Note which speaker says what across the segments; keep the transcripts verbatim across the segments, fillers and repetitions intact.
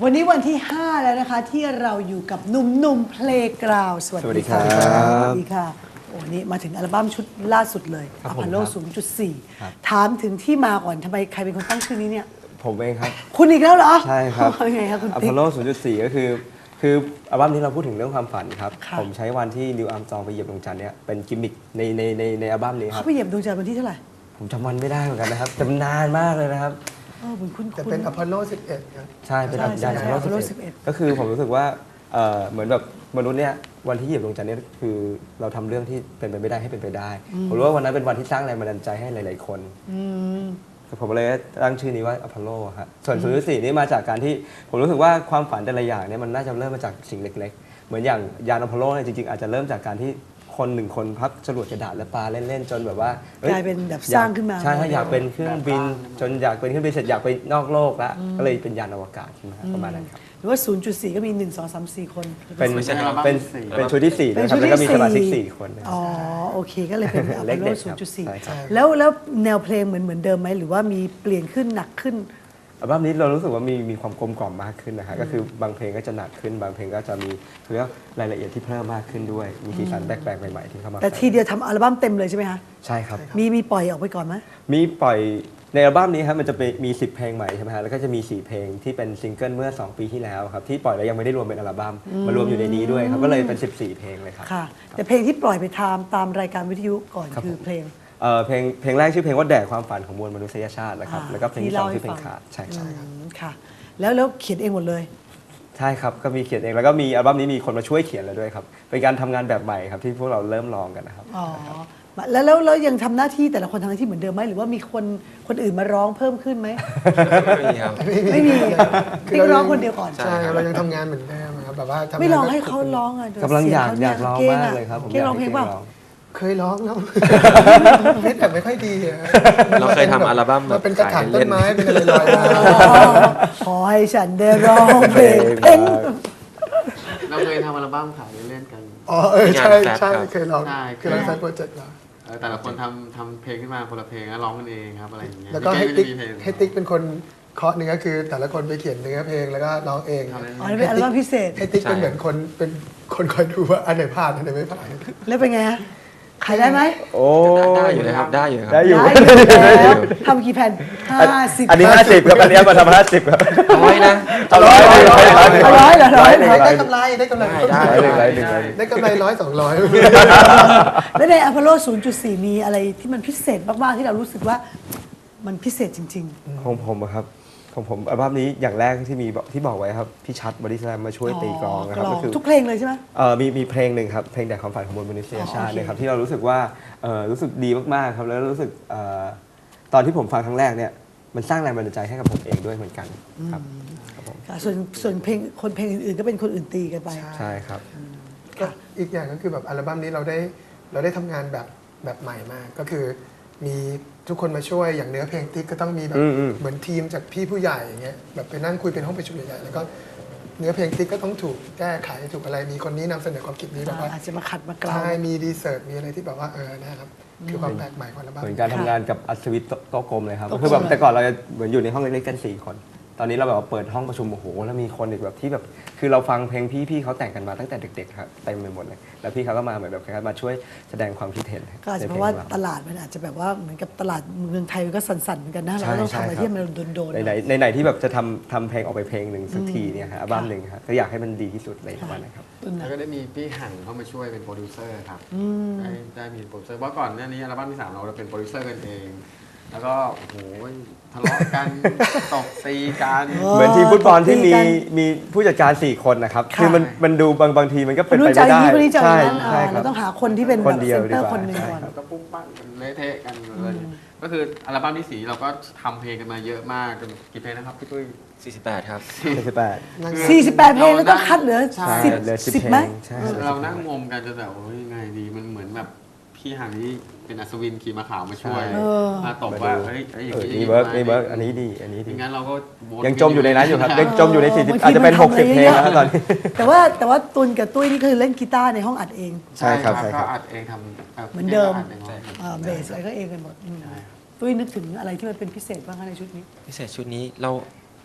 Speaker 1: วันนี้วันที่ห้าแล้วนะคะที่เราอยู่กับหนุ่มๆเพลงกราวสวัสดีค่ะสวัสดีค่ะโอ้นี่มาถึงอัลบั้มชุดล่าสุดเลยอพอลโล ศูนย์จุดสี่ ถามถึงที่มาก่อนทำไมใครเป็นคนตั้งชื่อนี้เนี่ย
Speaker 2: ผมเองครับ
Speaker 1: คุณอีกแล้วเหรอ
Speaker 2: ใช่ครับ
Speaker 1: ยังไงครับคุณ
Speaker 2: อพอลโล ศูนย์จุดสี่ ก็คือคืออัลบั้มนี้เราพูดถึงเรื่องความฝันครับผมใช้วันที่นิวอาร์มสตรองไปเหยียบดวงจันทร์เนี่ยเป็นกิมมิคในในในในอัลบั้มนี้ครับ
Speaker 1: เขาไปเหยียบดวงจันทร์วันที่เท่าไหร่
Speaker 2: ผมจำวันไม่ได้เหมือนกันนะครับจำนานมากเลยนะครับ
Speaker 1: เออคุณคุณ
Speaker 3: แต่เป็นอพอลโล สิบเอ็ดครับ
Speaker 2: ใช่เป็นยานอพอลโล สิบเอ็ดก็คือผมรู้สึกว่าเหมือนแบบมนุษย์เนี่ยวันที่เหยียบดวงจันทร์เนี่ยคือเราทำเรื่องที่เป็นไปไม่ได้ให้เป็นไปได้ผมรู้ว่าวันนั้นเป็นวันที่สร้างแรงบันดาลใจให้หลายๆคนผมเลยตั้งชื่อนี้ว่าอพอลโลครับส่วน ศูนย์จุดสี่ นี่มาจากการที่ผมรู้สึกว่าความฝันแต่ละอย่างเนี่ยมันน่าจะเริ่มมาจากสิ่งเล็กๆเหมือนอย่างยานอพอลโลเนี่ยจริงๆอาจจะเริ่มจากการที่คนหนึ่งคนพับจรวดกระดาษและปลาเล่นๆจนแบบว่าก
Speaker 1: ลายเป็นแบบสร้างขึ้นมา
Speaker 2: ใช่อยากเป็นเครื่องบินจนอยากเป็นเครื่องบินเสร็จอยากไปนอกโลกแล้วก็เลยเป็นยานอวกาศขึ้นมาประมาณนั้นครับ
Speaker 1: หรือว่า ศูนย์จุดสี่ ก็มีหนึ่ง สอง สาม สี่ คน
Speaker 2: เป็นเป็นเป็นชุดที่สี่นะครับแล้วก็มีสมาชิกสี่คน
Speaker 1: อ๋อโอเคก็เลยเป็นอพอลโล ศูนย์จุดสี่ แล้วแล้วแนวเพลงเหมือนเหมือนเดิมไหมหรือว่ามีเปลี่ยนขึ้นหนักขึ้น
Speaker 2: อัลบั้มนี้เรารู้สึกว่ามีมีความกลมกล่อมมากขึ้นนะฮะก็คือบางเพลงก็จะหนักขึ้นบางเพลงก็จะมีเรียกรายละเอียดที่เพิ่มมากขึ้นด้วยมีสีสันแปลกๆใหม่ๆที่เข้ามา
Speaker 1: แต่ทีเดียวทำอัลบั้มเต็มเลยใช่ไหมคะ
Speaker 2: ใช่ครับ
Speaker 1: มีมีปล่อยออกไปก่อนไหม
Speaker 2: มีปล่อยในอัลบั้มนี้ครับมันจะมีสิบเพลงใหม่ใช่ไหมฮะแล้วก็จะมีสี่เพลงที่เป็นซิงเกิลเมื่อสองปีที่แล้วครับที่ปล่อยแล้วยังไม่ได้รวมเป็นอัลบั้มมารวมอยู่ในนี้ด้วยครับก็เลยเป็นสิบสี่เพลงเลยครับ
Speaker 1: ค่ะแต่เพลงที่ปล่อยไปตามตามรายการวิทยุก่อนคือเพลง
Speaker 2: เพลงเพลงแรกชื่อเพลงว่าแดดความฝันของมวลมนุษยชาตินะครับแล้วก็เพลงที่สองชื่อเพลงขาดใช่ใช่ครับ
Speaker 1: ค่ะแล้วแล้วเขียนเองหมดเลย
Speaker 2: ใช่ครับก็มีเขียนเองแล้วก็มีอัลบั้มนี้มีคนมาช่วยเขียนแล้วด้วยครับเป็นการทำงานแบบใหม่ครับที่พวกเราเริ่มลองกันนะครับ
Speaker 1: อ๋อแล้วแล้วแล้วยังทำหน้าที่แต่ละคนทำหน้าที่เหมือนเดิมไหมหรือว่ามีคนคนอื่นมาร้องเพิ่มขึ้นไหม
Speaker 2: ไม่มีครับ
Speaker 1: ไม่มีคือร้องคนเดียวก่อน
Speaker 3: ใช่เรายังทำงานเหมือนเดิมครับแบบว่า
Speaker 1: ไม่ลองให้เขาร้องอ่ะ
Speaker 2: กำลังอยากอยากร้องมากเลยครับผม
Speaker 1: เก่งร้องเพลงเปล่า
Speaker 3: เคยร้องแล้วเพชรแต่ไม่ค่อยดี
Speaker 4: เราเคยทำอัลบั้ม
Speaker 3: มาเป็นกระถางต้นไม้เป็นอะไรลอยมา
Speaker 1: ขอให้ฉันได้ร้องเพลง
Speaker 4: เราเคยทำอัลบั้มขายเล่นกัน
Speaker 3: อ๋อเออใช่ใช่เคยร้องคือเราใช้โปรเจกต์เรา
Speaker 4: แต่ละคนทำทำเพลงขึ้นมาคนละเพลงแล้วร้องกันเองครับอะไรอย่างเงี้ย
Speaker 3: แล้วก็ให้ติ๊กให้ติ๊กเป็นคนเคาะเนื้อคือแต่ละคนไปเขียนเนื้อเพลงแล้วก็ร้องเอง
Speaker 1: อ๋อเป็นอัลบั้มพิเศษ
Speaker 3: ให้ติ๊กเป็นเหมือนคนเป็นคนคอยดูว่าอันไหนผ่านอันไหนไม่ผ่าน
Speaker 1: แล้วเป็นไงขายได้ไหม
Speaker 2: โอ้
Speaker 4: ได้อยู่นะครับได้อยู่
Speaker 2: ได้อยู่
Speaker 1: ทำกี่แผ่นห้าสิบ
Speaker 2: อันนี้ห้าสิบครับอันนี้มาทำห้าสิบครับ
Speaker 4: ร้อยนะ
Speaker 2: เอาร้อยร้อยร้อย
Speaker 1: ร้อยเหรอร้อย
Speaker 3: ได้กำไรได้กำไรได้กำไรร้อยสองร้อย
Speaker 1: แล้วในอพอลโล ศูนย์จุดสี่ มีอะไรที่มันพิเศษมากๆที่เรารู้สึกว่ามันพิเศษจริง
Speaker 2: ๆของผมครับของผมอัลบั้มนี้อย่างแรกที่มีที่บอกไว้ครับพี่ชัดบริสแลมมาช่วยตีกลองนะครับ
Speaker 1: ก็คือทุกเพลงเลยใช่ไหม
Speaker 2: เออมีมีเพลงหนึ่งครับเพลงแดดความฝันของมวลมนุษยชาตินะครับที่เรารู้สึกว่าเออรู้สึกดีมากๆครับแล้วรู้สึกตอนที่ผมฟังครั้งแรกเนี่ยมันสร้างแรงบันดาลใจให้กับผมเองด้วยเหมือนกันครับ
Speaker 1: ส่วนส่วนเพลงคนเพลงอื่นๆก็เป็นคนอื่นตีกันไป
Speaker 2: ใช่ครับ
Speaker 3: ก็อีกอย่างก็คือแบบอัลบั้มนี้เราได้เราได้ทำงานแบบแบบใหม่มากก็คือมีทุกคนมาช่วยอย่างเนื้อเพลงติ๊กก็ต้องมีแบบเหมือนทีมจากพี่ผู้ใหญ่อย่างเงี้ยแบบไปนั่งคุยเป็นห้องประชุมใหญ่ๆแล้วก็เนื้อเพลงติ๊กก็ต้องถูกแก้ไขถูกอะไรมีคนนี้นำเสนอความคิดนี้แบบว่า
Speaker 1: อาจจะมาขัดมากล่าว
Speaker 3: ใช่มีรีเสิร์ชมีอะไรที่แบบว่าเออนะครับคือความแปลกใหม่ของอัลบั้ม
Speaker 2: เหมือนการทำงานกับอัศวินโต๊ะกลมเลยครับคือแบบแต่ก่อนเราเหมือนอยู่ในห้องเล็กๆกันสี่คนตอนนี้เราแบบว่าเปิดห้องประชุมโอ้โหแล้วมีคนอีกแบบที่แบบคือเราฟังเพลงพี่พี่เขาแต่งกันมาตั้งแต่เด็กๆครับเต็มไปหมดเลยแล้วพี่เขาก็มาเหมือนแบบมาช่วยแสดงความคิดเห็น
Speaker 1: ก็อาจจะเพราะว่าตลาดมันอาจจะแบบว่าเหมือนกับตลาดเมืองไทยมันก็สั่นๆเหมือนกันนะเราต้องทำอะไรที่มันโดนๆ
Speaker 2: ในในไหนที่แบบจะทำทำเพลงออกไปเพลงหนึ่งสักทีเนี่ยฮะอัลบั้มหนึ่งครับก็อยากให้มันดีที่สุดเลยประมาณนั้นครับ
Speaker 4: แล้วก็ได้มีพี่หันเข้ามาช่วยเป็นโปรดิวเซอร์ครับได้ได้มีโปรดิวเซอร์เพราะก่อนหน้านี้อัลบั้มที่สามเราเป็นโปรดิวเซอร์กันเองแล้วก็โอ้โหทะเลาะกันตบตีกัน
Speaker 2: เหมือนทีมฟุตบอลที่มีมีผู้จัดการสี่คนนะครับคือมันมันดูบางบางทีมันก็เป็นไปไม่ได้
Speaker 1: ใช่ใช่เราต้องหาคนที่เป็นคนเดียวดีกว่าคนหนึ่งก่อน
Speaker 4: ก็ปุ๊บปั้งเละเทะกันเลยก็คืออัลบั้มที่สี่เราก็ทำเพลงกันมาเยอะมากกี่เพลงนะครับพี่ตุ้ยสี่สิบแปดครับ
Speaker 2: สี่สิบแปด
Speaker 1: สี่สิบแปดเพลงแล้วก็คัดเหลือสิบสิบไหม
Speaker 4: เรานั่งงมกันจนแบบโอ้ยยังไงดีมันเหมือนแบบพี่หางนี้เป็นอัศวินขี่ม้าขาวมาช่วยมาตบว่าเฮ้ยอย่าง
Speaker 2: นี้เบิร์กนี่เบิร์กอันนี้ดีอันนี้ดี
Speaker 4: งั้นเราก็
Speaker 2: ยังจมอยู่ในนั้นอยู่ครับยังจมอยู่ในสี่สิบอาจจะเป็นหกสิบเพลงแล้วตอนนี้
Speaker 1: แต่ว่าแต่ว่าตุนกับตุ้ยนี่คือเล่นกีตาร์ในห้องอัดเอง
Speaker 2: ใช่ครับใช่
Speaker 4: ครับอัดเองท
Speaker 1: ำเหมือนเดิมเบสอะไรก็เองกันหมดตุ้ยนึกถึงอะไรที่มันเป็นพิเศษบ้างในชุดนี้
Speaker 4: พิเศษชุดนี้เรา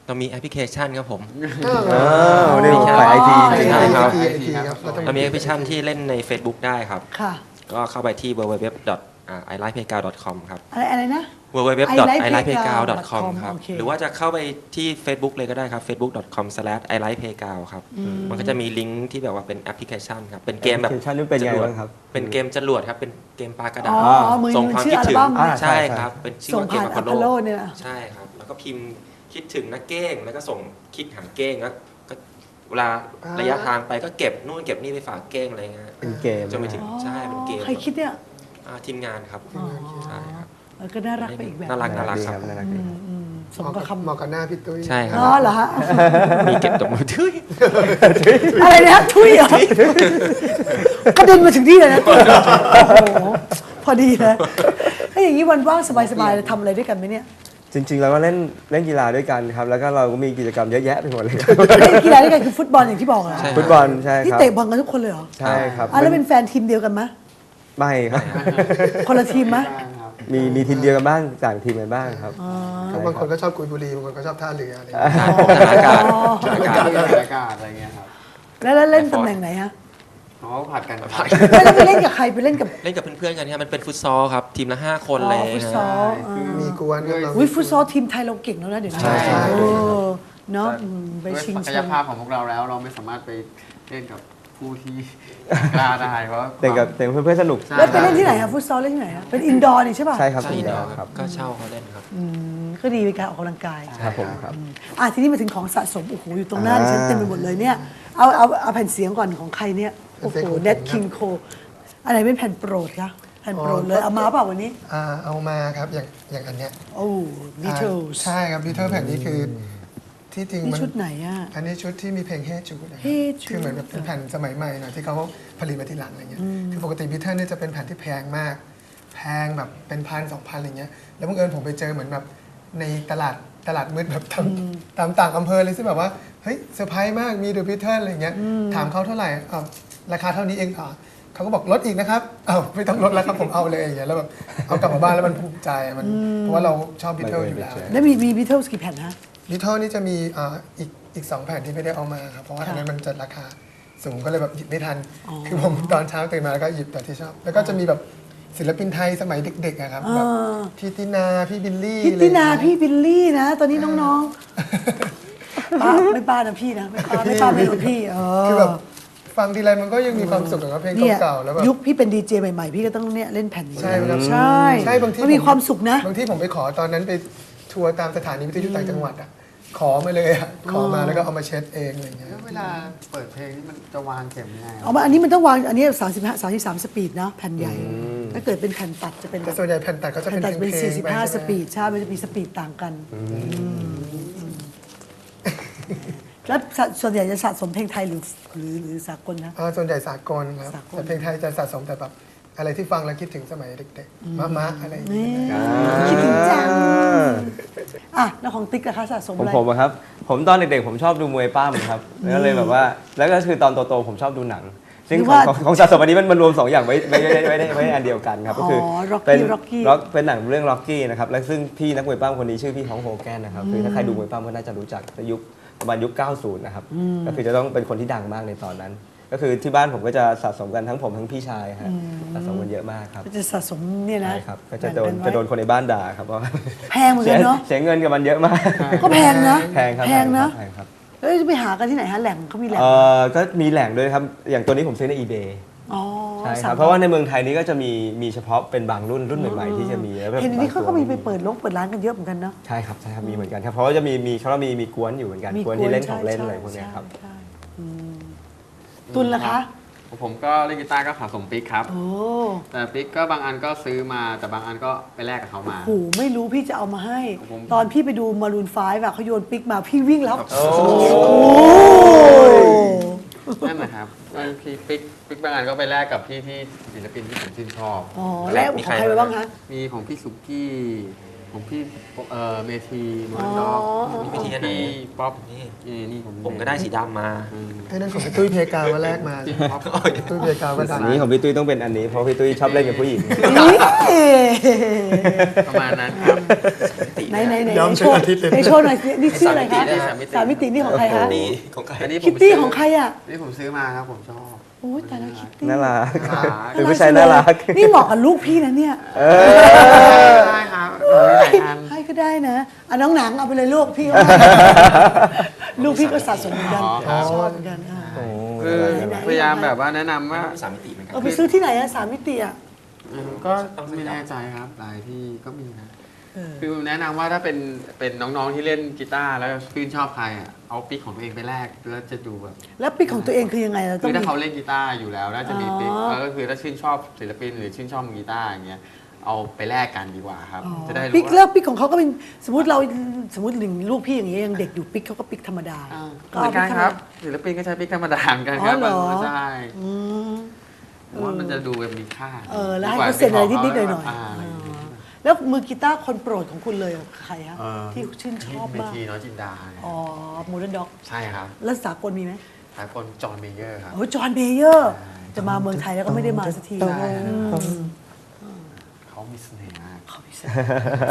Speaker 5: เรามีแอปพลิเคชันครับผม
Speaker 2: อ้าวนี่ผมฝ่ายไอที
Speaker 5: ใช่ครับ
Speaker 3: ไอทีครับเราต้อง
Speaker 5: เรามีแอปพลิเคชันที่เล่นใน Facebook ได้ครับ
Speaker 1: ค่ะ
Speaker 5: ก็เข้าไปที่ ดับเบิลยู ดับเบิลยู ดับเบิลยู ดอท ไอ ไลฟ์ เพลย์กราวด์ ดอท คอม ครับ
Speaker 1: อะไรอะไรนะ
Speaker 5: ดับเบิลยู ดับเบิลยู ดับเบิลยู ดอท ไอ ไลฟ์ เพลย์กราวด์ ดอท คอม ครับ
Speaker 1: โอเค
Speaker 5: หรือว่าจะเข้าไปที่ Facebook เลยก็ได้ครับ เฟซบุ๊ก ดอท คอม สแลช ไอ ไลฟ์ เพลย์กราวด์ ครับ มันก็จะมีลิงก์ที่แบบว่าเป็นแอปพลิเคชันครับ เป็นเกมแบบ
Speaker 2: แอปพลิเคชันนี่เป็นไง
Speaker 5: จรวด
Speaker 2: บ้างครับ
Speaker 5: เป็นเกมจรวดครับ เป็นเกมปลากระ
Speaker 1: อ๋
Speaker 5: ดา
Speaker 1: อ
Speaker 5: ษ
Speaker 1: อ๋อมือ
Speaker 5: ส่ง
Speaker 1: มือ
Speaker 5: ความ
Speaker 1: ชื่อ
Speaker 5: คิด
Speaker 1: อัล
Speaker 5: ถึง
Speaker 1: บั้ม
Speaker 2: อ่า
Speaker 5: ใช่ครับ เป็นชื่อ
Speaker 1: ส่ง
Speaker 5: ว่าเก
Speaker 1: ผ่าม น
Speaker 5: อ
Speaker 1: อั
Speaker 5: พ
Speaker 1: พ
Speaker 5: อล
Speaker 1: โล
Speaker 5: โล
Speaker 1: เนี่ยนะ
Speaker 5: ใช่ครับ แล้วก็พิมพ์คิดถึงนักเก้ง แล้วก็ส่งคลิกหาเก้งแล้วก็เวลาระยะทางไปก็เก็บนู่นเก็บนี่ไปฝากเก้งอะไรเงี้ย
Speaker 2: เป็นเกม
Speaker 5: จนไปถึงใช่เป็นเกม
Speaker 1: ใครคิดเนี่ย
Speaker 5: อ่าทีมงานครับใช่ครับ
Speaker 1: เออก็น่ารักไปอีกแบบ
Speaker 5: น่ารัก
Speaker 2: น่ารักดีครับน่ารักดีครับ
Speaker 1: อืมส
Speaker 3: เห
Speaker 1: ม
Speaker 3: มาะ
Speaker 1: กั
Speaker 3: กั
Speaker 1: บบ คำ
Speaker 3: เหมาะกับหน้าพี่ตุ้ย
Speaker 5: ใช่ครั
Speaker 1: อ๋อบ เหรอฮะ
Speaker 5: มีเก็บตกมือถือ
Speaker 1: อะไรนะทุยเหรอกระเด็นมาถึงที่เลยนะโอ้โหพอดีนะไอ้ยอย่างนี้วันว่างสบายๆทำอะไรด้วยกันไหมเนี่ย
Speaker 2: จริงๆเราก็เล่นเล่นกีฬาด้วยกันครับ แล้วก็เราก็มีกิจกรรมเยอะแยะไปหมดเลยครับ
Speaker 1: เล่นกีฬาด้วยกันคือฟุตบอลอย่างที่บอกเหรอ
Speaker 5: ใช่
Speaker 2: ฟุตบอลใช่
Speaker 1: ที่
Speaker 2: ครับ
Speaker 1: เตะบอลกันทุกคนเลยเหรอ
Speaker 2: ใช่ครับ
Speaker 1: อ่ะแล้วเป็นแฟนทีมเดียวกันไหม
Speaker 2: ไม่ครับ
Speaker 1: คนละทีมไหม
Speaker 2: มีมีทีมเดียวกันบ้างต่างทีมกันบ้างครับ
Speaker 3: ก็บางคนก็ชอบกุยบุรีบางคนก็ชอบท่าเรืออะไรอย่าง
Speaker 5: ใช่
Speaker 3: เงี้ย
Speaker 5: อากาศอากาศ
Speaker 4: อากาศอากาศอะไรเงี้ยครับ
Speaker 1: แล้วแล้วเล่นตำแหน่งไหนฮะ
Speaker 4: เขาผัดกันครับ
Speaker 1: ไม่แล้วไปเล่นกับใครไปเล่นกับ
Speaker 5: เล่นกับเพื่อนๆกันครับมันเป็นฟุตซอลครับ ทีมละห้าคน
Speaker 1: อ๋
Speaker 5: เล
Speaker 1: อย ฟุตซอลอ่า
Speaker 3: มีกวนครับเรา
Speaker 1: อุ้ยฟุตซอลทีมไทยเราเก่งแล้วนะเดี๋ยวนี้
Speaker 2: ใช่ใช่
Speaker 1: เออเนาะอืมไป
Speaker 4: ด้วย
Speaker 1: ชิง
Speaker 4: ศัก
Speaker 1: แช
Speaker 4: ย
Speaker 1: มป์
Speaker 4: ภาพของพวกเราแล้วเราไม่สามารถไปเล่นกับผู้ที่ กล้าได้เพราะ
Speaker 2: แต่กับแต่เพื่อนๆสนุก
Speaker 1: แล้วไปเล่นที่ไหนฮะฟุตซอลเล่นที่ไหนฮะเป็นอินดอร์นี่ใช่ป่ะ
Speaker 2: ใช่ครับ
Speaker 5: ใช่
Speaker 2: ทีม
Speaker 5: เดี
Speaker 2: เดี
Speaker 5: ย
Speaker 2: ยว ว
Speaker 5: ค
Speaker 2: ค
Speaker 5: รั
Speaker 2: รั
Speaker 5: บบ ก็เช่าเขาเล่นครับ
Speaker 1: อืมก็ดีเป็นการออกกำลังกาย
Speaker 2: ครับผมครับ
Speaker 1: อ่ะทีนี้มาถึงของสะสมโอ้โหอยู่ตรงหน้าดิฉันเต็มไปหมดเลยเนี่ยเอาเอาเอาแผ่นเสียงก่อนของใครเนี่ยโอ้โหเน็ตคิงโคอะไรเป็นแผ่นโปรดคะแผ่นโปรดเลยเอามาเปล่าวันนี้
Speaker 3: อ่าเอามาครับอย่างอย่างอันเนี้ย
Speaker 1: โอ้บีเทิล
Speaker 3: อ่าใช่ครับบีเทิลแผ่นนี้คือที่จริง
Speaker 1: นี่
Speaker 3: มัน
Speaker 1: ชุดไหนอ่ะ
Speaker 3: อันนี้ชุดที่มีเพลงเฮจูดนะครับ
Speaker 1: Hey Jude
Speaker 3: คือเหมือนแบบเป็นแผ่นสมัยใหม่หน่อยที่เขาผลิตมาทีหลังอะไรเงี้ยคือปกติบีเทิลเนี่ยจะเป็นแผ่นที่แพงมาก แพงแบบเป็นพันสองพันอะไรเงี้ยแล้วบังเอิญผมไปเจอเหมือนแบบในตลาดตลาดมืดแบบตามตามต่างอำเภอเลยซึ่งแบบว่าเฮ้ยเซอร์ไพรส์มากมีเดอะบีเทิลอะไรเงี้ยถามเขาเท่าไหร่อ้าวราคาเท่านี้เองอ่ะเขาก็บอกลดอีกนะครับอ้าวไม่ต้องลดแล้วครับผมเอาเลยอย่างเงี้ยแล้วแบบเอากลับมาบ้านแล้วมันภูมิใจอะมันเพราะว่าเราชอบบีเทิลอยู่แล้ว
Speaker 1: แล้วมีมีบีเทิลกี่แผ่นฮะ
Speaker 3: บีเทิลนี่จะมีอ่าอีกอีกสองแผ่นที่ไม่ได้เอามาครับเพราะว่าอันนั้นมันจะราคาสูงก็เลยแบบหยิบไม่ทัน คือผมตอนเช้าตื่นมาแล้วก็หยิบแต่ที่ชอบ แล้วก็จะมีแบบศิลปินไทยสมัยเด็กๆอะครับแบบพี่ตินาพี่บิลลี่
Speaker 1: พิตตินา
Speaker 3: อะไรอย่ง
Speaker 1: พี่
Speaker 3: เงี้ย
Speaker 1: บิลลี่นะ ตอนนี้น้องๆป้าไม่ป้านะพี่นะไม่ป้าไม่ป้าไม่รู้พี่เออ
Speaker 3: คือแบบฟังทีไรมันก็ยังมีความสุขกับเพลง
Speaker 1: เนี่ย
Speaker 3: เก่าๆแล้วแบบ
Speaker 1: ยุคพี่เป็นดีเจใหม่ๆ พี่ก็ต้องเนี่ยเล่นแผ่นนี้
Speaker 3: ใช่ครับ
Speaker 1: ใช่
Speaker 3: ใช่บางที
Speaker 1: มันมีความสุขนะ
Speaker 3: บางที่ผมไปขอตอนนั้นไปทัวร์ตามสถานีวิทยุต่างจังหวัดอะขอมาเลยอะขอมาแล้วก็เอามาเช็ดเองอะไรอย่างเงี้ย
Speaker 4: แล้วเวลาเปิดเพลงนี่มันจะวางเข็มยังไง
Speaker 1: เอามาอันนี้มันต้องวางอันนี้สามสิบห้าสามสิบสามสปีดนะแผ่นใหญ่ ถ้าเกิดเป็นแผ่นตัดจะเป็น
Speaker 3: แต่ส่วนใหญ่แผ่นตัดก็จะ
Speaker 1: แผ่
Speaker 3: เป็น น
Speaker 1: ตัดเป็น
Speaker 3: เพลงๆ
Speaker 1: สี่สิบห้า
Speaker 3: ไป
Speaker 1: ส
Speaker 3: ใช่ไหม
Speaker 1: ปีดใช่มันจะมีสปีดต่างกันอืมแล้วส่วนใหญ่จะสะสมเพลงไทยหรือหรือหรือสากลนะ
Speaker 3: อ่าส่วนใหญ่สากลครับ
Speaker 1: สากล
Speaker 3: แต่เพลงไทยจะสะสมแต่แบบอะไรที่ฟังแล้วคิดถึงสมัยเด็กๆมะมะอะไรอย่างเงี้ย
Speaker 1: คิดถึงจังอ่ะแล้วของติ๊กนะคะสะสม
Speaker 2: ผม
Speaker 1: อะไร
Speaker 2: ผมอะครับ ผมตอนเด็กๆผมชอบดูมวยปั้มครับแล้วก็เลยแบบว่า แล้วก็คือตอนโตๆผมชอบดูหนัง ซึ่งของของของสะสมอันนี้มันมันรวมสองอย่างไว้ไม่ไม่ได้ไม่ได้ไม่ได้อันเดียวกันครับ ก็คือ
Speaker 1: ร็อก
Speaker 2: เป็น
Speaker 1: กี้ร็อกกี้
Speaker 2: ร็อกเป็นหนังเรื่องล็อกกี้นะครับ และซึ่งพี่นักมวยปั้มคนนี้ชื่อพี่ฮองโฮแกนนะครับ คือถ้าใครดูมวยปั้มก็น่าจะรู้จักในยุคประมาณยุค เก้าสิบ นะครับ ก็คือจะต้องเป็นคนที่ดังมากในตอนนั้น ก็คือที่บ้านผมก็จะสะสมกันทั้งผมทั้งพี่ชายครับสะสมกันเยอะมากครับ
Speaker 1: ก็จะสะสมเนี่ยนะ
Speaker 2: ใช่ครับ ก็จะโดน
Speaker 1: แบ่งกัไว้
Speaker 2: จะโดนคนในบ้านด่าครับว่า
Speaker 1: แพงเหมือน
Speaker 2: เสี
Speaker 1: กั
Speaker 2: ย
Speaker 1: นเนาะ
Speaker 2: เสียเงินกับมันเยอะมาก
Speaker 1: ก็แพงนะ
Speaker 2: แพงครับ
Speaker 1: แพงนะ
Speaker 2: แพงครับ
Speaker 1: แล้วจะไปหากันที่ไหนฮะแหล่งเขามีแหล่ง
Speaker 2: เอ่อก็มีแหล่งด้วยครับ อย่างตัวนี้ผมซื้อใน eBay
Speaker 1: อ๋อ
Speaker 2: ใช่ค
Speaker 1: สั่
Speaker 2: รับ
Speaker 1: ง
Speaker 2: เพราะว่าในเมืองไทยนี้ก็จะมีมีเฉพาะเป็นบางรุ่นรุ่นใหม่ๆที่จะมีแล้วแบบ
Speaker 1: เห็นอันนี้เขาก็มีไป
Speaker 2: บงตัว
Speaker 1: เปิดลงเปิดร้านกันเยอะเหมือนกันเนาะ
Speaker 2: ใช่ครับใช่ครับมีเหมือนกันครับเพราะว่าจะมีมีเขาว่ามีมีกวนอยู่เหมือนกันกวนที่เล่นของเล่นอะไรพวกเนี้ยครับ
Speaker 1: ใช่ใช่อืมตุนล่ะคะ
Speaker 4: ผมก็เล่นกีตาร์ก็สะสมปิกครับ
Speaker 1: โอ้
Speaker 4: แต่ปิกก็บางอันก็ซื้อมาแต่บางอันก็ไปแลกกับเขามา
Speaker 1: โหไม่รู้พี่จะเอามาให้
Speaker 4: ผม
Speaker 1: ตอนพี่ไปดูมารูนไฟว์อะเขาโยนปิกมาพี่วิ่งแล้ว
Speaker 2: โอ้
Speaker 4: นั่นนะครับบางทีปิกปิกบางอันก็ไปแลกกับพี่ที่ศิลปินที่ผมชื่นชอบ
Speaker 1: อ๋อแล้วของใครไปบ้างคะ
Speaker 4: มีของพี่สุกี้ผมพี่เอ่อเมทีมอนด็อก
Speaker 5: มีวิธีอันไหน
Speaker 4: พี่ป๊อป
Speaker 5: นี่
Speaker 4: นี่นี่ผม
Speaker 5: ผมก็ได้สีดำมา
Speaker 4: อืม
Speaker 3: ไอ้นั่นของพี่ตุ้ยเพกาว่าแรกมา
Speaker 4: พี่ป๊อป
Speaker 3: ตุ้ยเพกาว่าดั
Speaker 2: อั
Speaker 3: ง
Speaker 2: นนี้ของพี่ตุ้ยต้องเป็นอันนี้เพราะพี่ตุ้ยชอบเล่นกับผู้หญิง
Speaker 4: ประมาณนั้นครับ
Speaker 1: ไหนไหนไหน
Speaker 3: ย้อม
Speaker 1: โช
Speaker 3: เชิง
Speaker 1: ว์
Speaker 3: อาทิตย์เลย
Speaker 1: ในโชว์หน่อยสินี่ชื่ออะไรคะ
Speaker 5: สามมิติ
Speaker 1: สามมิตินี่ของใครคะ
Speaker 5: นี่ของใคร
Speaker 4: อันนี้ผ
Speaker 1: คิ
Speaker 4: ม
Speaker 1: ตตี้
Speaker 4: ซื้
Speaker 1: ของใครอ่ะ
Speaker 4: นี่ผมซื้อมาครับผมชอบ
Speaker 1: โอ้ยแต่ละคิตตี้
Speaker 2: น่ารัก
Speaker 4: น่ารัก
Speaker 2: เป็นผู้ชายน่ารัก
Speaker 1: นี่เหมาะกับลูกพี่นะเนี่ย
Speaker 4: ได้ครับมีหลายอัน
Speaker 1: ให้ก็ได้นะอ่ะน้องหนังเอาไปเลยลูกพี่ ลูกพี่ก็สะสมเหมือนกัน
Speaker 4: อ๋อครับ
Speaker 1: ชอบเหมือนกันอ่ะ
Speaker 4: คือพยายามแบบว่าแนะนำว่า
Speaker 5: สามมิติเหมือนกัน
Speaker 1: เอาไปซื้อที่ไหนอะสามมิติอะ
Speaker 4: อืมก็ไม่แน่ใจครับหลายที่ก็มีนะ
Speaker 1: เออ
Speaker 4: คือแนะนำว่าถ้าเป็นเป็นน้องๆที่เล่นกีตาร์แล้วชื่นชอบใครอ่ะเอาปิกของตัวเองไปแลกแล้วจะดูแบบ
Speaker 1: แล้วปิกของตัวเองคือยังไงเราต้อ
Speaker 4: คื
Speaker 1: ง
Speaker 4: อถ้า
Speaker 1: มี
Speaker 4: เขาเล่นกีตาร์อยู่แล้วน่าจะมีปิก
Speaker 1: อ๋อ
Speaker 4: แล้วก็คือถ้าชื่นชอบศิลปินหรือชื่นชอบกีตาร์อย่างเงี้ยเอาไปแลกกันดีกว่าครับ
Speaker 1: อ๋อ
Speaker 4: จะได้รู้
Speaker 1: ปิก
Speaker 4: ว่า
Speaker 1: แล้วปิกของเขาก็เป็นสมมติเราสมมติหนึ่งลูกพี่อย่างเงี้ยยังเด็กอยู่ปิกเขาก็ปิกธรรมดา
Speaker 4: อ่า
Speaker 1: ก็
Speaker 4: เหมื
Speaker 1: เอา
Speaker 4: อน
Speaker 1: ปิ
Speaker 4: กัน
Speaker 1: กธรรม
Speaker 4: ค
Speaker 1: ดา
Speaker 4: รับศิลปินก็ใช้ปิกธรรมดาเหมือนกันครับ
Speaker 1: อ๋อเหรอ
Speaker 4: บางใช่
Speaker 1: อืม
Speaker 4: ผมว่ามันจะดูแบบมีค่า
Speaker 1: เออแล้วให้เขาเซ็นอะไรนิดๆหน่อยๆ
Speaker 4: าอะไรอย่างเงี้ย
Speaker 1: แล้วมือกีตาร์คนโปรดของคุณเลยใครฮะ
Speaker 4: เอ่อ
Speaker 1: ที่ชื่นชอบ
Speaker 4: เม
Speaker 1: มาก
Speaker 4: ทีน้อยจินดาเนี่ย
Speaker 1: อ๋อโมเดิร์นด็อก
Speaker 4: ใช่ครับ
Speaker 1: แล้วสากลมีไหม
Speaker 4: สายคนจอห์นเมเยอร์ครับ
Speaker 1: โอ้จอห์นเบเยอร์จะมาเมืองไทยแล้วก็ไม่ได้มาสักที
Speaker 4: ใช่
Speaker 1: อืม
Speaker 4: เขามีเสน่ห์มาก
Speaker 1: เขามีเสน่ห์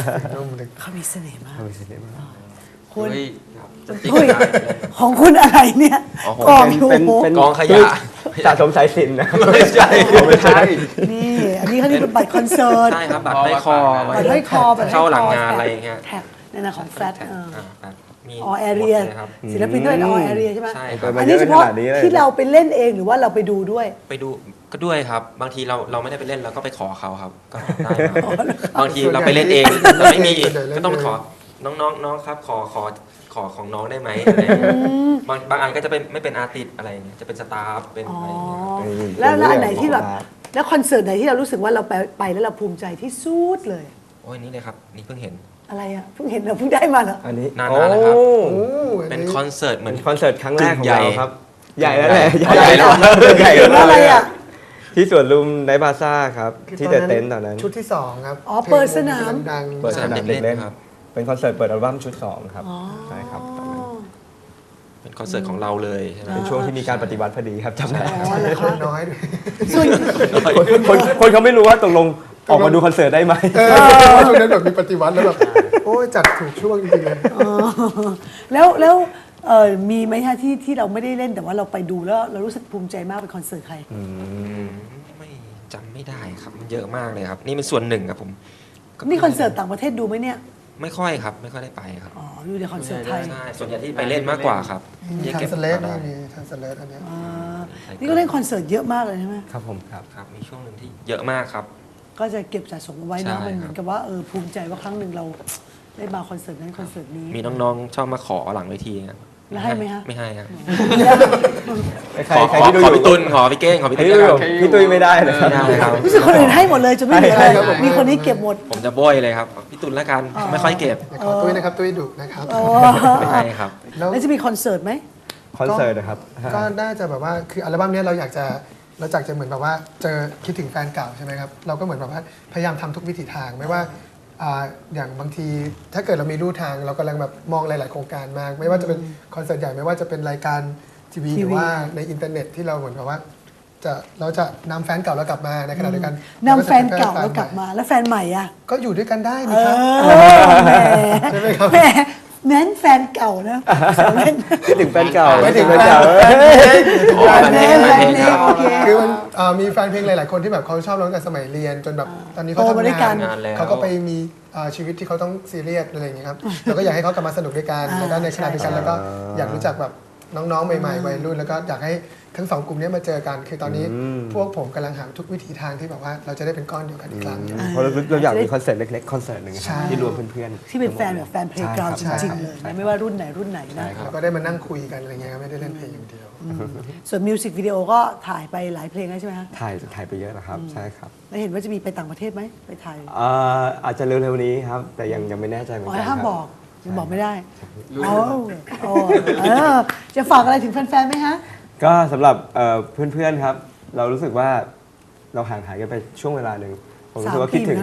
Speaker 3: นุ่มเลย
Speaker 1: เขามีเสน่ห์มาก
Speaker 2: เอาไปสิเนี่ย
Speaker 1: คุณ
Speaker 4: เฮ้ยครับจะ
Speaker 1: เฮ้ยของคุณอะไรเนี่ย
Speaker 5: อ๋อผม
Speaker 1: กอง
Speaker 2: เป็น
Speaker 1: อยู่
Speaker 2: เป็นเป็น
Speaker 5: กองขยะ
Speaker 2: สะสมสายสิญจนนะ
Speaker 5: ไม่ใช่
Speaker 2: ไม่ใช่
Speaker 1: นี่อันนี้เขาเรียกเป็นบัตรคอนเสิร์ต
Speaker 5: ใช่ครับบัตรห้อยคอ
Speaker 1: บัตรห้อยคอบัตรห้อยคอ
Speaker 5: เข้าหลังงานอะไรอย่างเงี้ย
Speaker 1: แท็กในนามของแฟลต
Speaker 5: แท็กอ่าแฟลตมี
Speaker 1: ออแอเรีย
Speaker 5: หมดลครับ
Speaker 1: ศิลปินด้วยออแอเรียใช่ไหม
Speaker 5: ใช่ค
Speaker 2: ไป
Speaker 5: รับ
Speaker 2: มา
Speaker 1: อัน
Speaker 2: เย
Speaker 1: นี้
Speaker 2: อะ
Speaker 1: เฉ
Speaker 2: ข
Speaker 1: พาะ
Speaker 2: นาดนี้เลย
Speaker 1: ที่เราไปเล่นเองหรือว่าเราไปดูด้วย
Speaker 5: ไปดูก็ด้วยครับ บางทีเราเราไม่ได้ไปเล่นเราก็ไปขอเขาครับ ก็ได้ครับบางทีเราไปเล่นเองเราไม่มีก็ต้องไปขอน้องน้องน้องครับขอขอขอของน้องได้ไหมอะไรอย่างเงี้ยบางบางอันก็จะเป็นไม่เป็นอาร์ติสต์อะไรอย่างเงี้ยจะเป็นสตาฟเป็น
Speaker 1: อ๋อ
Speaker 5: อะไรอย่างเงี้ยครับ
Speaker 2: อืม
Speaker 1: แล้วแล้วอันไหนที่แบบ
Speaker 2: ครับ
Speaker 1: แล้วคอนเสิร์ตไหนที่เรารู้สึกว่าเราไปไปแล้วเราภูมิใจที่สุดเลย
Speaker 5: โอ้ยนี่เลยครับนี่เพิ่งเห็น
Speaker 1: อะไรอ่ะเพิ่งเห็นเราเพิ่งได้มาเหรอ
Speaker 2: อันนี้
Speaker 5: นานๆแล้วครับ
Speaker 2: โอ้
Speaker 3: โอ้อั
Speaker 5: เป็นคอนเสิร์ตเหมื
Speaker 2: เป็
Speaker 5: อน
Speaker 2: นคอนเสิร์ตครั้งแรกของ
Speaker 5: ใหญ่
Speaker 2: เราครับ ใหญ่แล้วแหละ
Speaker 5: ใหญ่แล้ว
Speaker 2: ใหญ่
Speaker 1: เห็นว่าอะไรอ่ะ
Speaker 2: ที่สวนลุมไนท์พลาซ่าครับ
Speaker 3: คือ
Speaker 2: ที่เดอะเต็นท์ตอนนั้น
Speaker 3: ชุดที่สองครับ
Speaker 1: อ๋อเปิดสนาม
Speaker 3: ดัง
Speaker 2: เปิดสนามเด็กเล่น
Speaker 5: ครับ
Speaker 2: เป็นคอนเสิร์ตเปิดอัลบั้มชุดสองครับ
Speaker 1: อ๋อ
Speaker 2: ใช่ครับตอนนั้น
Speaker 5: เป็นคอนเสิร์ตของเราเลยใช่ไหม
Speaker 2: เป็นช่วงที่มีการปฏิวัติพอดีครับจำได้
Speaker 1: อ๋อเหรอ
Speaker 3: ค
Speaker 1: คะ
Speaker 3: นน้อยด้วย
Speaker 1: ส่วน
Speaker 2: คนคนคนเขาไม่รู้ว่าตกลงออกมาดูคอนเสิร์ตได้ไหม
Speaker 3: เออช่วงนั้นแบบมีปฏิวัติแล้วแบบโอ้ยจัดถูกช่วงจริงๆเลย
Speaker 1: อ๋อแล้วแล้วเออมีไหมฮะที่ที่เราไม่ได้เล่นแต่ว่าเราไปดูแล้วเรารู้สึกภูมิใจมากเป็นคอนเสิร์ตใคร
Speaker 5: ไม่จำไม่ได้ครับมันเยอะมากเลยครับ นี่เป็นส่วนหนึ่งครับผมก็
Speaker 1: นี่คอนเสิร์ตต่างประเทศดูไหมเนี่ย
Speaker 5: ไม่ค่อยครับ ไม่ค่อยได้ไปครับ
Speaker 1: อ๋ออยู่ในคอนเสิร์ตไทย
Speaker 5: ใช่ส่วนใหญ่ที่ไปเล่นมากกว่าครับที่
Speaker 3: ทาง
Speaker 5: ก็บ
Speaker 3: สเลส
Speaker 5: มา
Speaker 3: นะ
Speaker 5: ได้
Speaker 3: มีทางสเลสอันเนี้ย
Speaker 1: อ่านี่ก็เล่นคอนเสิร์ตเยอะมากเลยใช่ไหม
Speaker 2: ครับผมครับ
Speaker 5: ครับมีช่วงหนึ่งที่เยอะมากครับ
Speaker 1: ก็จะเก็บสะสมเอาไว้
Speaker 5: ใช่
Speaker 1: นะมันเห
Speaker 5: ครับ
Speaker 1: มือนกับว่าเออภูมิใจว่าครั้งหนึ่งเราได้มาคอนเสิร์ตนั้นคอนเสิร์ตนี้
Speaker 5: มีน้องๆชอบมาขอหลังเวทีครับ
Speaker 1: แล้วให้ไหมฮะ
Speaker 5: ไม่ให้ครับ
Speaker 2: ใคร
Speaker 5: ขอ
Speaker 2: ใคร
Speaker 5: ขอ
Speaker 2: ที่ดู
Speaker 5: ข
Speaker 2: อ
Speaker 5: อยู่ พี่ตุลขอพี่เก้งขอพี่
Speaker 2: ใคร
Speaker 5: ตุ้ย
Speaker 2: ที่ดู
Speaker 5: แล้ว
Speaker 2: อ
Speaker 5: กัน
Speaker 2: ยู่พี่ตุ้ยไม่ได้เลยครับ
Speaker 5: ไม่ได้ครับ
Speaker 1: รู้สึกคนอื่นให้หมดเลยจะไม่เหลืออะไร
Speaker 2: ใช่ครับผม
Speaker 1: มีคนนี้เก็บหมด
Speaker 5: ผมจะโบยเลยครับพี่ตุลแล้วกันไม่ค่อยเก็บ
Speaker 3: ขอตุ้ยนะครับตุ้ยดุนะครับ
Speaker 1: อ๋อ
Speaker 5: ไม่ให้ครับ
Speaker 3: แล้ว
Speaker 1: แล้วจะมีคอนเสิร์ตไหม
Speaker 2: คอนเสิร์ตนะครับ
Speaker 3: ก็น่าจะแบบว่าคืออัลบั้มเนี้ยเราอยากจะเราอยากจะเหมือนแบบว่าเจอคิดถึงแฟนเก่าใช่ไหมครับเราก็เหมือนแบบว่าพยายามทำทุกวิถีทางไม่ว่าอ่าอย่างบางทีถ้าเกิดเรามีรูทางเรากำลังแบบมองหลาย ๆ โครงการมาก ไม่ว่าจะเป็นคอนเสิร์ตใหญ่ไม่ว่าจะเป็นรายการทีวี
Speaker 1: ทีวี
Speaker 3: หรือว่าในอินเทอร์เน็ตที่เราเหมือนแบบว่าจะเราจะนำแฟนเก่าเรากลับมาในขณะเดียวกัน
Speaker 1: นำแฟนเก่าแล้วกลับมาแล้วแฟนใหม่อ่ะ
Speaker 3: ก็อยู่ด้วยกันได้
Speaker 1: เอ
Speaker 3: นี่ครับ
Speaker 1: อแหม
Speaker 3: ใช่ไหมครับ
Speaker 1: แหมแม้นแฟนเก่านะแซวเล่น
Speaker 2: คิดถึงแฟนเก่า
Speaker 3: ไม่ถึง
Speaker 2: แฟนเก่า
Speaker 5: อ๋อแฟนเพลงแฟนเพลงครับ
Speaker 1: โอเค
Speaker 3: คือมันเอ่อมีแฟนเพลงหลาย ๆ คนที่แบบเขาชอบร้องกันสมัยเรียน จนแบบตอนนี้เขา
Speaker 1: โตมาด้ว
Speaker 3: ทำ
Speaker 1: ยกั
Speaker 3: งาน น
Speaker 5: งานแล้ว
Speaker 3: เขาก็ไปมีเอ่อชีวิตที่เขาต้องซีเรียสอะไรอย่างเงี้ยครับเราก็อยากให้เขากลับมาสนุกด้วยกัน
Speaker 1: อ่า
Speaker 3: แล้วก็ในขณะเดียวกัน
Speaker 1: ใช่
Speaker 3: แล้วก็อยากรู้จักแบบน้อง ๆ ใหม่ ๆ วัยรุ่น แล้วก็อยากให้ทั้งสองกลุ่มนี้มาเจอกัน คือตอนนี้
Speaker 2: อืม
Speaker 3: พวกผมกำลังหาทุกวิถีทางที่แบบว่าเราจะได้เป็นก้อนเดียวกันอีกครั้ง
Speaker 2: เพราะเราเราอยากมีคอนเสิร์ตเล็กๆคอนเสิร์ตหนึ่งครับ
Speaker 3: ใช่
Speaker 2: ที่รวมเพื่อนๆ
Speaker 1: ที่เป็นแฟนแบบแฟนเพลงกราวจ
Speaker 3: ใช่
Speaker 1: ริง
Speaker 3: ครับ
Speaker 1: ๆเลย
Speaker 2: ใช่
Speaker 1: นะไม่ว่ารุ่นไหนรุ่นไหนนะ
Speaker 3: แล้วก็ได้มานั่งคุยกันอะไรเงี้ยครับไม่ได้เล่นเพลงอย่างเดียว
Speaker 1: ส่วนมิวสิกวิดีโอก็ถ่ายไปหลายเพลงแล้วใช่ไหมฮะ
Speaker 2: ถ่ายถ่ายไปเยอะนะครับ ใช่ครับ
Speaker 1: แล้วเห็นว่าจะมีไปต่างประเทศไหมไปถ่าย
Speaker 2: เอ่ออาจจะเร็วๆนี้ครับ แต่ยังยังไม่แน่ใจเหมือน
Speaker 1: อ๋
Speaker 2: กั
Speaker 1: อน
Speaker 2: ค
Speaker 1: ห้าม
Speaker 2: รับ
Speaker 1: บอกยังบอกไม่ได้
Speaker 4: รู้
Speaker 1: อ๋ออ๋อเออจะฝากอะไรถึงแฟนๆไหมฮะ
Speaker 2: ก็สำหรับเอ่อเพื่อนๆครับ เรารู้สึกว่าเราห่างหายกันไปช่วงเวลาหนึ่งผมรู้สึกว่า
Speaker 1: สามปี
Speaker 2: คิดถึง
Speaker 1: นะ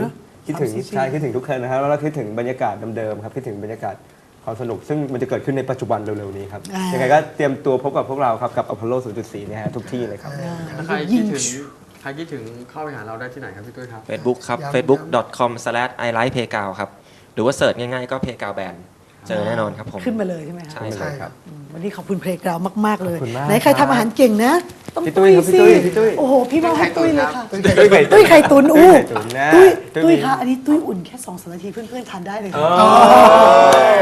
Speaker 2: คิดถึง
Speaker 1: สามสิบปี
Speaker 2: ใช่คิดถึงทุกคนนะครับแล้วก็คิดถึงบรรยากาศเดิมๆครับคิดถึงบรรยากาศความสนุกซึ่งมันจะเกิดขึ้นในปัจจุบันเร็วๆนี้ครับ
Speaker 1: อ่ายั
Speaker 2: ยังไงก็เตรียมตัวพบกับพวกเราครับกับ Apollo ศูนย์จุดสี่เนี่ยฮะทุกที่เลยครับ
Speaker 4: ถ้าใครคิดถึงใครคิดถึงเข้าไปหาเราได้ที่ไหนครับพี่ตุ้ยครับ
Speaker 5: Facebook ครับ
Speaker 3: ย้ำ
Speaker 5: facebook dot com slash i like playground ครับ หรือว่าเสิร์ชง่ายๆก็ playground band เจอแน่นอนครับผม
Speaker 1: ขึ้นมาเลยใช่ไหมคะ
Speaker 5: ใช่
Speaker 3: ใช่ครับ
Speaker 1: อืมวันนี้ขอบคุณเพลงกราวมาก ๆ เลย
Speaker 2: ขอบคุณมาก
Speaker 1: ไหนใคร
Speaker 2: ครับ
Speaker 1: ทำอาหารเก่งนะ ต้อง
Speaker 2: พี่ตุ้ยครับ
Speaker 1: สิ
Speaker 2: พี่ตุ้ยพี่ตุ้ย
Speaker 1: โอ้โห พี่มอบให้ตุ้ยเลยค่ะ
Speaker 2: ตุ้ยไข่
Speaker 1: ตุ้ยไข่ตุนอู้
Speaker 2: ไข่ตุ๋นนะ
Speaker 1: ตุ้ย
Speaker 2: ตุ้ย
Speaker 1: ตุ้ย
Speaker 2: มี
Speaker 1: คะอันนี้ตุ้ยอุ่นแค่สองสามนาทีเพื่อนๆทานได้เลยค่ะ
Speaker 2: โอ้